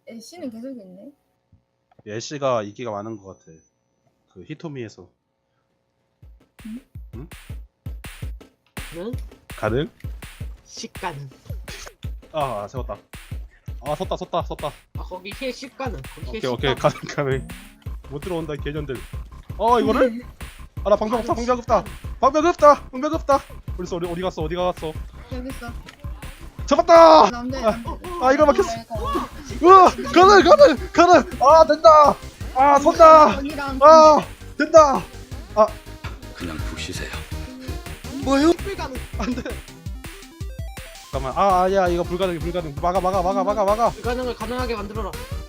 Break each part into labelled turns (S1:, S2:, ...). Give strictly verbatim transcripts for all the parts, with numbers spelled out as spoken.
S1: 애쉬는 계속 있네.
S2: 애쉬가 인기가 많은 것 같아. 그 히토미에서.
S1: 응?
S2: 응?
S3: 응?
S2: 가능?
S3: 식가는.
S2: 아, 아 세웠다. 아 섰다 섰다 섰다.
S3: 아 거기 힐 식가는. 거기 힐
S2: 오케이 오케이
S3: 식가는.
S2: 가능 가능. 못 들어온다 개년들. 어 이거를? 아 나 방벽 없다 방벽 없다 방벽 없다 방벽 없다. 어딨어 어디 어디 갔어 어디 갔어?
S1: 여기 있어.
S2: 잡았다.
S1: 남자
S2: 아,
S1: 남자.
S2: 아 이걸 막혔어. 우와 가능 가능 가능. 아 된다. 아 선다.
S1: 언니랑
S2: 아 된다. 아
S4: 그냥 푹 쉬세요.
S2: 뭐요?
S3: 불가능.
S2: 안돼. 잠깐만. 아 아니야 이거 불가능 불가능. 막아 막아 막아 막아 막아.
S3: 불가능을 가능하게 만들어라.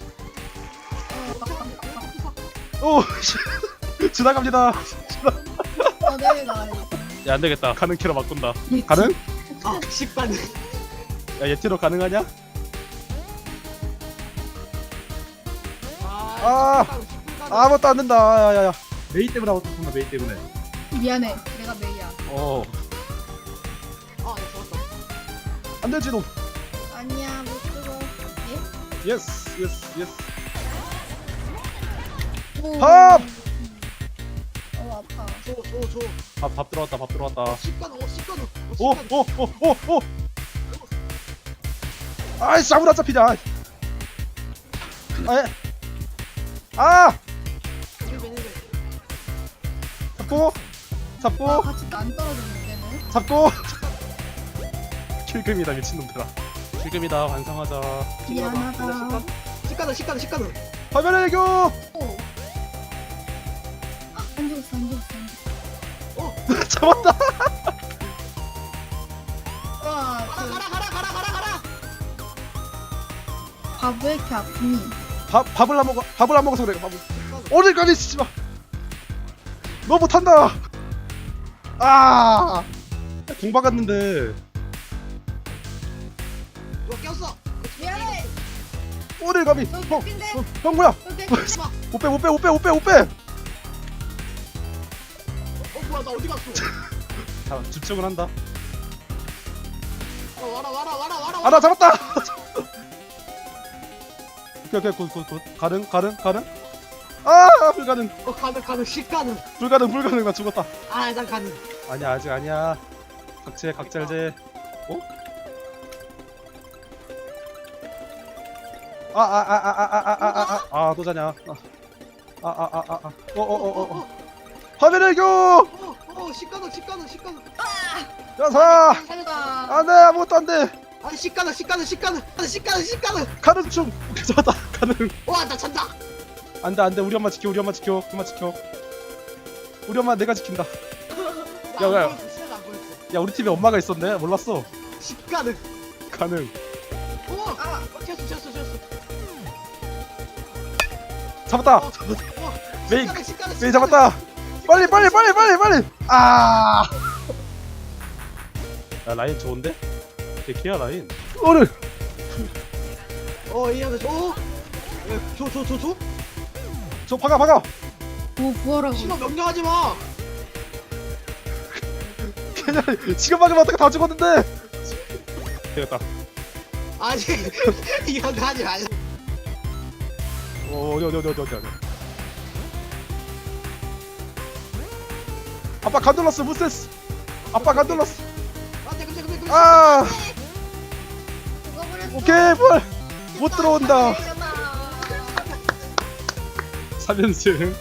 S2: 오 지나갑니다.
S1: 어 내가
S2: 야 안되겠다. 가능 키로 바꾼다. 가능?
S3: 아 식가능.
S2: 야 예티로 가능하냐?
S3: 아.
S2: 아. 아무것도 안 된다. 야야야. 메이 때문에 아무것도 못한다. 메이 때문에.
S1: 미안해. 내가 메이야.
S2: 어.
S3: 아 네, 좋았다.
S2: 안 되지 너.
S1: 아니야 못 들어. 예?
S2: 예스 예스 예스.
S1: 오.
S2: 밥!
S1: 어 아파.
S3: 줘줘줘.
S2: 밥, 밥 들어왔다. 밥 들어왔다.
S3: 식가능. 어 식가능. 어,
S2: 오
S3: 식가능.
S2: 오 오 오 오. 아이씨 아무나 잡히냐. 아이. 아이. 아
S3: 힐벤 힐벤.
S2: 잡고 잡고
S1: 아 같이 안 떨어졌네 얘는.
S2: 잡고. 킬금이다 미친놈들아. 킬금이다 완성하자.
S1: 미안하다.
S3: 식가능 식가능 식가능.
S2: 화면의 애교.
S1: 오. 아, 안 죽었어 안 죽었어 안 죽었어.
S2: 잡았다.
S1: 와,
S3: 가라
S1: 그
S3: 가라 가라 가라 가라 가라.
S1: 밥 왜 이렇게 아프니?
S2: 밥 밥을 안 먹어. 밥을 안 먹어서 그래. 밥을. 오늘까지 쓰지 마. 너 못한다. 아. 공 박았는데.
S3: 누가 꼈어.
S1: 미안해.
S2: 오늘 감히.
S1: 너
S2: 형,
S1: 웃긴데?
S2: 형, 형 뭐야?
S1: 오케이.
S2: 못 빼, 못 빼, 못 빼, 못 빼, 못 빼.
S3: 어 뭐야 나 어디 갔어?
S2: 자, 집중을 한다.
S3: 어 와라 와라 와라 와라.
S2: 아, 나 잡았다. 오케이, 오케이, 굿, 굿, 굿. 가능, 가능, 가능. 아, 불가능,
S3: 어 가능 가능 식가능.
S2: 불가능, 불가능. 나 죽었다.
S3: 아난 가능.
S2: 아니야, 아직 아니야. 각제, 각잘제. 어? 아, 아, 아, 아, 아, 아, 아, 아, 아, 아, 또 자냐? 아, 아, 아, 아, 아, 어, 어, 어, 어, 어. 화면의 교.
S3: 어어 식가능 식가능 식가능.
S2: 야사.
S1: 살다.
S2: 안돼, 아무것도 안 돼.
S3: 아니 식가능 식가능 식가능 식가능 식가능.
S2: 가능 중. 오케이, 잡았다. 가능.
S3: 와나 찬다.
S2: 안돼 안돼 우리 엄마 지켜 우리 엄마 지켜 엄마 지켜 우리 엄마 내가 지킨다. 야, 야. 야 우리 팀에 엄마가 있었네 몰랐어.
S3: 식가능.
S2: 가능.
S3: 오. 아 쳤어 쳤어 쳤어.
S2: 잡았다.
S3: 어, 어,
S2: 메이
S3: 식가능, 식가능,
S2: 메이
S3: 식가능.
S2: 잡았다. 빨리 빨리 빨리 빨리 빨리. 아. 야 라인 좋은데? 개키야 라인. 오늘
S3: 어 이해하네. 어. 줘줘줘 줘.
S2: 저 박아 박아.
S1: 오 구하라고.
S3: 신호 명령하지 마.
S2: 그냥 지금 막으면 어떡해 다 죽었는데. 되겠다.
S3: 아니 이런 거 하지 말라.
S2: 어, 어디 어디 어디 어디 어디 어디. 아빠 간돌랐어 무세스. 아빠 간돌랐어.
S3: 안돼 근데 근데 근데.
S2: 아.
S1: 죽어버렸어.
S2: 오케이 뭘. 못 들어온다. 삼 연승.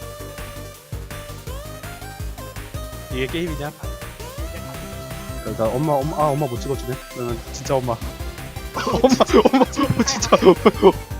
S2: 이게 게임이냐? 그러니까 엄마 엄마 아 엄마 못 찍어주네. 그러면 진짜 엄마. 엄마 엄마 진짜.